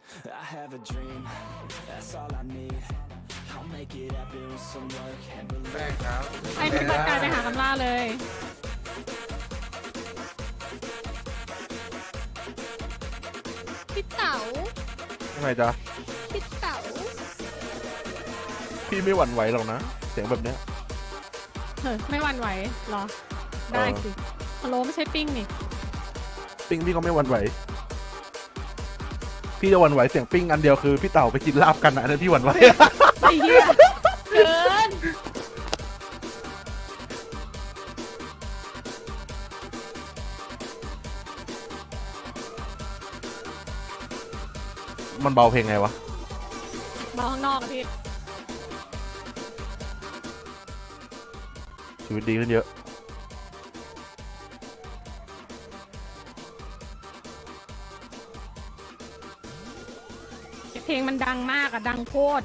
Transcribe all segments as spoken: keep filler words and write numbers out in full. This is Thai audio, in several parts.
I have a dream, that's all I need. I'll make it happen with some work and แป้ง believe. ครับไอ้ปฏิบัติการไปหาคำล่าเลยพี่เต๋ายังไงจ๊ะพี่เต๋าพี่ไม่หวั่นไหวหรอกนะเสียงแบบเนี้ยเฮ้ยไม่หวั่นไหวเหรอ ได้เออสิฮัลโหลไม่ใช่ปิ้งนี่ปิ้งพี่ก็ไม่หวั่นไหวพี่จะหวั่นไหวเสียงปิ้งอันเดียวคือพี่เต่าไปกินลาบกันนะอันนั้นพี่หวั่นไหวไอ้เหี้ยเกินมันเบาเพลงไงวะมาข้างนอกอะพี่ชีวิตดีขึ้นเยอะเพลงมันดังมากอะดังโคตร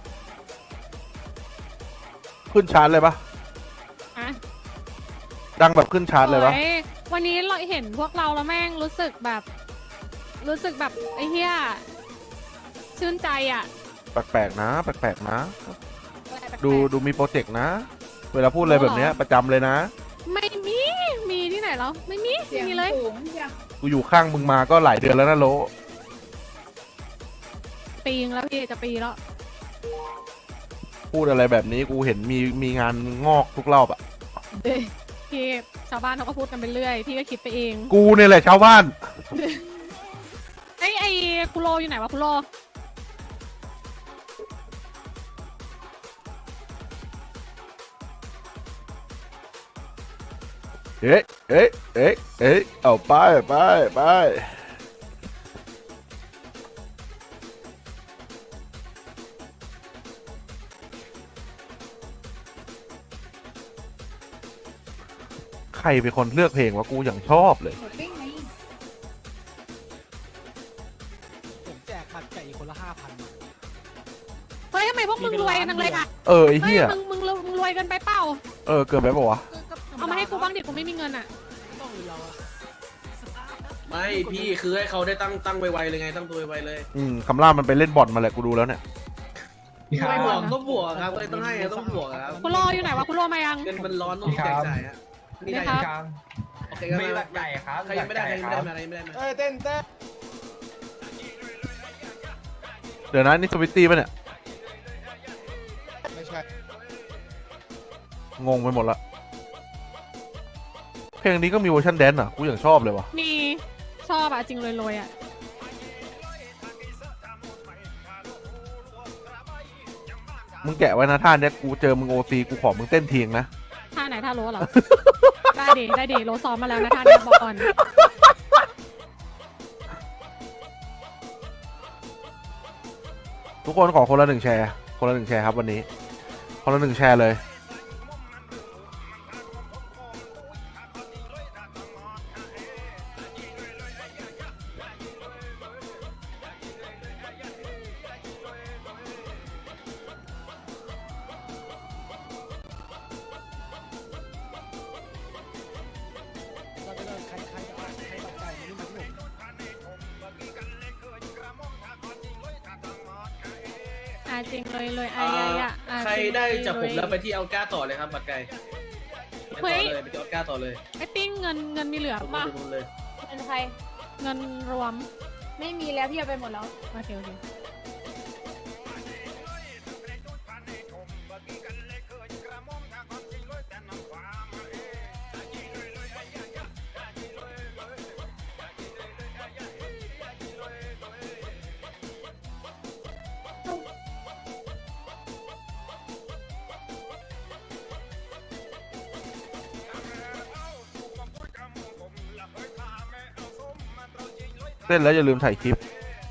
ขึ้นชาร์ตเลยปะอะดังแบบขึ้นชาร์ตเลยปะโอ้ยวันนี้เราเห็นพวกเราแล้วแม่งรู้สึกแบบ รู้สึกแบบไอ้เหี้ยชื่นใจอะแปลกๆนะแปลกๆนะ ดูดูมีโปรเจกต์นะ เวลาพูดอะไรแบบเนี้ยประจำเลยนะไม่มี มีที่ไหนแล้วไม่มีไม่มีเลยกูอยู่ข้างมึงมาก็หลายเดือนแล้วนะโลปีงแล้วพี่จะปีแล้วพูดอะไรแบบนี้กูเห็นมีมีงานงอกทุกรอบอ่ะเด้พี่ชาวบ้านเขาก็พูดกันไปเรื่อยพี่ก็คิดไปเองกูเนี่ยแหละชาวบ้านไอ้ไอ้คุโรอยู่ไหนวะคุโรเอ๊ะเอ๊ะเอ๊ะเอ๊ะเอาไปไปไปใครเป็นคนเลือกเพลงวะกูอย่างชอบเลยผมแจกบัตรไก่คนละห้าพันเฮ้ยทำไมพวกมึงรวยนังเลยอะเออไอ้เฮ้ยเหี้ยมึงมึงมึงรวยกันไปเปล่าเออเกินไปปะวะเอามาให้กูบ้างดิกูไม่มีเงินอะต้องเราอะไม่พี่คือให้เขาได้ตั้งตั้งไวๆเลยไงตั้งตัวไวๆเลยอืมคำล่ามันไปเล่นบอลมาแหละกูดูแล้วเนี่ยรวยบบ วอก ลนะก็บวกครับเลยต้องให้ต้องบวกครับคุโรอยู่ไหนวะคุโรมายังเงินมันร้อนต้องแจกจ่ายฮะนี่ได้ครับครับโอเคครับมีบัตรใหญ่ครับใครยังไม่ได้ใครยังไม่ได้มาใครยังไม่ได้มาเอ้ยเต้นเต้นเดี๋ยวนะนี่สวิตตี้ป่ะเนี่ยไม่ใช่งงไปหมดละเพลงนี้ก็มีเวอร์ชันแดนซ์อ่ะกูอย่างชอบเลยวะมีชอบอะจริงรวยๆอะมึงแกะไว้นะท่าเนี้ยกูเจอมึงโอซีกูขอมึงเต้นเทียงนะท่าไหนท่าโลเหรอ ได้ดิได้ดิโลซ้อมมาแล้วนะท่านี้บอกก่อนทุกคนขอคนละหนึ่งแชร์คนละหนึ่งแชร์ครับวันนี้คนละหนึ่งแชร์เลยใครใครจะเอาใครบัตรไก่นี่มาที่ผมอ่ะจริงเลยเลยเอ่อ่ะออ่ะอ่ะใครจงได้เลยจากผมเลยแล้วไปที่เอาก้าต่อเลยครับบัตรไก่ไปต่อเลยไปที่เอาก้าต่อเลยไอ้ปิ้งเงินเงินมีเหลือผมป่ะดูเลยเป็นใครเงินรวมไม่มีแล้วพี่เอาไปหมดแล้วโอเคโอเคเต้นแล้วอย่าลืมถ่ายคลิป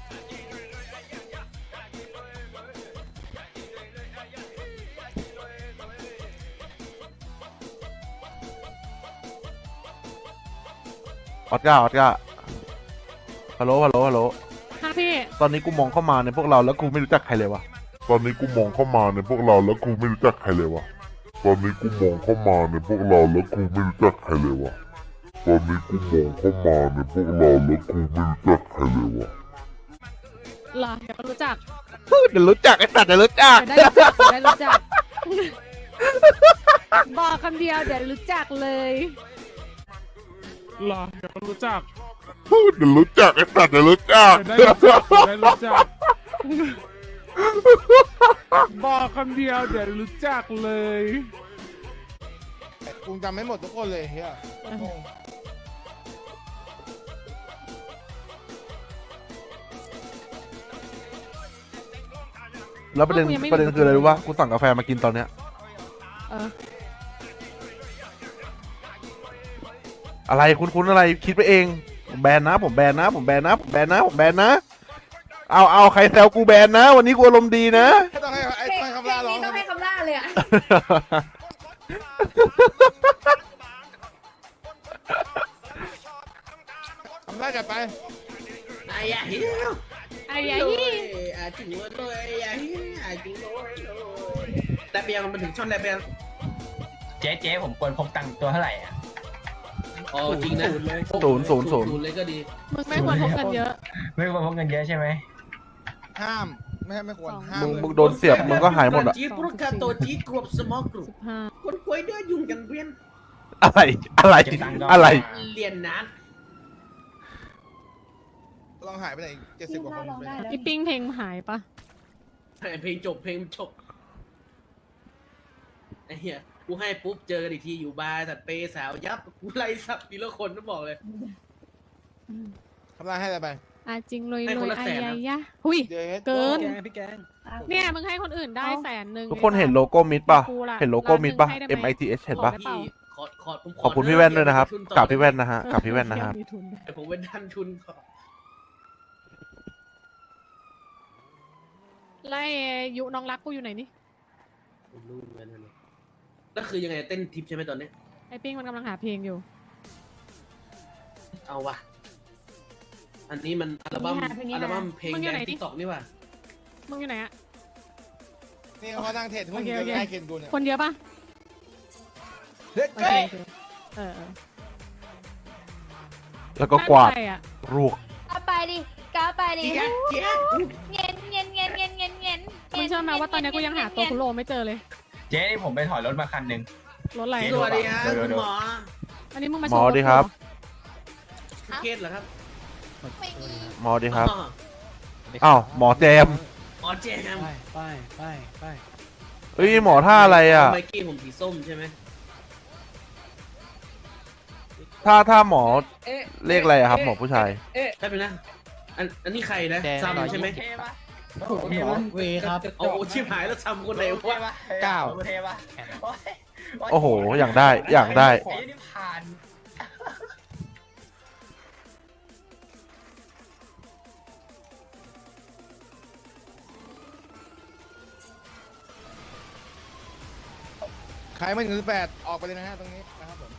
ออสการ์ออสการ์ฮัลโหลฮัลโหลฮัลโหลค่ะพี่ตอนนี้กูมองเข้ามาในพวกเราแล้วกูไม่รู้จักใครเลยวะตอนนี้กูมองเข้ามาในพวกเราแล้วกูไม่รู้จักใครเลยวะ ตอนนี้กูมองเข้ามาในพวกเราแล้วกูไม่รู้จักใครเลยวะ ตอนนี้กูมองเข้ามาในพวกเราแล้วกูไม่รู้จักใครเลยวะเหรอเดี๋ยวก็รู้จักเดี๋ยวรู้จักไอ้สัตว์เดี๋ยวรู้จักเดี๋ยวได้รู้จักเดี๋ยวได้รู้จัก บอกคำเดียวเดี๋ยวรู้จักเลยหรอเดี๋ยวก็รู้จักเดี๋ยวรู้จักไอ้สัตว์เดี๋ยวรู้จักเดี๋ยวได้รู้จักเดี๋ยวได้รู้จัก บอกคำเดียวเดี๋ยวรู้จักเลยกูจำไม่หมดทุกคนเลยเฮียงงแล้วประเด็นกูยังไม่ประเด็นคืออะไรรู้ปะกูสั่งกาแฟมากินตอนเนี้ยเอออะไรคุ้นๆอะไรคิดไปเองผมแบนนะ ผมแบนนะ ผมแบนนะ ผมแบนนะ ผมแบนนะ เอาเอาใครแซวกูแบนนะ วันนี้กูอารมณ์ดีนะให้ต้องให้ไอ้ต้องให้คำล่าร้องต้องให้คำล่าเลยอ่ะคำล่าจัดไปไอ้ยาฮิวไอ้ยัยอาจิ๋วเลยไอ้ยาฮิวอาจิ๋วเลยแต่เบียงมันถึงช่อนแต่เบียงเจ๊เจ๊ผมควรพกตังค์ตัวเท่าไหร่อ่ะอ๋อจริงนะศูนย์ศูนย์ศูนย์ศูนย์เลยก็ดีมึงไม่ควรพกเงินเยอะไม่ควรพกเงินเยอะใช่ไหมห้ามไม่ไม่ควรห้ามมึงเลยมึงโดนเสียบมึงก็หายหมดอะจีปรุกาโตจีกรวบสมอกรุสิบห้าคนกล้วยเดือยุ่งกันเวียนอะไรอะไรเก็บตังค์ก่นอะไรเรียนนานลองหายไปไหนเจ็ดสิบกว่าคนไปอีปิ้งเพลงหายปะเพลงจบเพลงจบไอ้เหี้ยกูให้ปุ๊บเจอกันอีกทีอยู่บาร์สัตว์เปย์สาวยับกูไล่สับทีละคนต้องบอกเลยคำล่าให้อะไรไปอ่ะจริงเลยให้เลคนยละไอ้แสนยันะยยะหุยเดี๋ยวเกินแกงพี่แกงเนี่ยมึงให้คนอื่นได้แสนหนึ่งทุกคนเห็นโลโก้มิดป่ะกูล่ะเห็นโลโก้มิดป่ะร้านหนึ่ง M ให้ I ได้ T ไหม H เห็นป่ะขอได้พี่ขอขอผมขอบคุณพี่แว่นด้วยนะครับเก็กับพี่แว่นทุนะฮะกับพี่แว่นนะฮะมีทุนด้วยแต่ผมเป็นดันทุนก่อนไล่ยุน้องรักกูอยู่ไหนนี่ผมรู้เหมือนกันนะแล้วคือยังไงเต้นทิปใช่ไหมตอนนี้ไอ้ปิ้งมันกำลังหาเพลงอยู่เอาวะอันนี้มันอัลบั้มนี่ค่ะเพลงนี้นะอัลบั้มเพลงมึงอยู่แดไหนงดิติ๊กต็อกนี่ว่ะมึงอยู่ไหนอะนี่เขานั่งเทรดหุ้นโอเคเยโอเคอะให้เคนดูเนี่ยคนเยอะปะเด็กโอเก้เคโอเคเออเออแล้วก็กวาดน่จะใช่อะรวกเอาไปดิก้าวไปดิเจ๊เจ๊เงี้ยเงี้ยเงี้ยเงี้ยเงี้ยเงี้ยมึงเชื่อไหมว่าตอนนี้กูยังหาตัวคุโรไม่เจอเลยเจ๊นี่ผมไปถอยรถมาคันหนึ่งรถอะไรสวัสดีฮะเดี๋ยวคุณเดี๋ยวหมออันนี้มึงมาหโชมอว์ดีครับคุณเคสเหรอครับไม่มีหมอดีครับอ๋ออ้าวหมอแจมอ๋อเจ๊ครับไปไปไปไปเฮ้ยหมอท่าอะไรอ่ะไมกี้ผมสีส้มใช่ไหมถ้าถ้าหมอเอ๊ะเลขอะไรอะครับหมอผู้ชายเอ๊ะได้ไปนะอันอันนี้ใครนะซัมใช่ไหมเทปะเวเวครับโอ้โหชิบหายแล้วซัมคนไหนวะเก้าเทปะโอ้โห อย่างได้ อย่างได้ไอ้นี่ผ่านขายไม่ถึงสิบแปดออกไปเลยนะฮะตรงนี้นะครับผม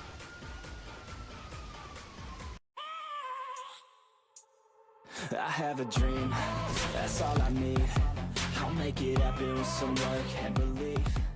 I have a dream, that's all I need. I'll make it happen with some work and belief.